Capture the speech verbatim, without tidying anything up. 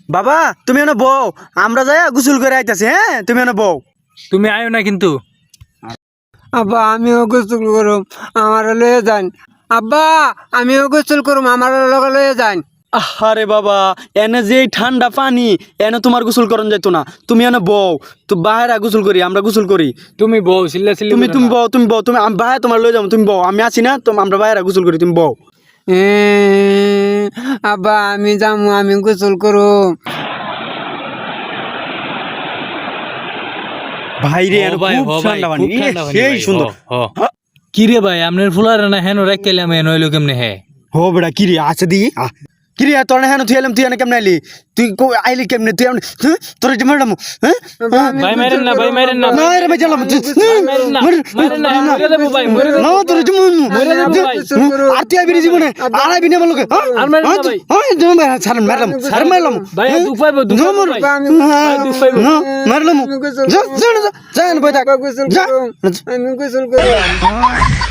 বাবা তুমি এনে বউ, আমরা যাই গোসল করে আইতাছি। হ্যাঁ তুমি এনে বউ। তুমি আয়ো না কিন্তু। আব্বা আমিও গোসল করুম, আমার লয়ে যান। আব্বা আমিও গোসল করুম, আমার লগে লয়ে যান। আরে বাবা এনে যে ঠান্ডা পানি, এনে তোমার গোসল করন যাইতো না। তুমি এনে বউ, তো বাইরে গোসল করি, আমরা গোসল করি। তুমি বউ চিল্লা চিল্লি তুমি করো তুমি না। বউ, তুমি বউ, তুমি বাইরে তোমার লয়ে যাবো। তুমি বউ, আমি আছি না, তো আমরা বাইরে গোসল করি, তুমি বউ। এ, আব্বা আমি যামু, আমি গোসল করুম। ভাইরে হ এনে ভাই, খুব হ ভাই, ঠান্ডা পানি, খুব ঠান্ডা পানি সেই ভাই, সুন্দর। হ, হ। কি রে ভাই আপনার ফুলার না হেন রাখলাম হেন হইলো কেমনে হে? হো বেড়া কিরে আছে দি কিরে তোর না হেন তুই এলাম, তুই এনে কেমনে আইলি? তুই কো- আইলি কেমনে তুই? এমনে, হ্যাঁ? তোর যে মারলাম, হ্যাঁ? আব্বা, আমি ভাই মারেন না, গোসল ভাই করুম, মারেন না। আব্বা। না রে ভাই জ্বালাম, তুই- ভাই মারেন না, মার- মারেন না, না, মরে যাবো ভাই, মরে যাবো। না, তোর যে মন- মরে যাবো তুই- ভাই। গোসল করুম। আর তুই আইবি রে জীবনে, আব্বা, আর আইবি না আমার লগে, হ্যাঁ? আর মারেন না হ্যাঁ, ভাই। হ্যাঁ, তুমি মার- ছাড়েন, মারলাম, আমি ছাড় মারলাম। ভাই হ্যাঁ? দুঃখ পাইবো, দুঃখ না, পাইবো মার- ভাই। আব্বা, আমি হ্যাঁ, দুঃখ পাইবো। না, মারলাম। আমি গোসল যা, করুম। যা, যা, যা, যা, এনে বই থাক। আব্বা গোসল যা। করুম, আমি গোসল করুম।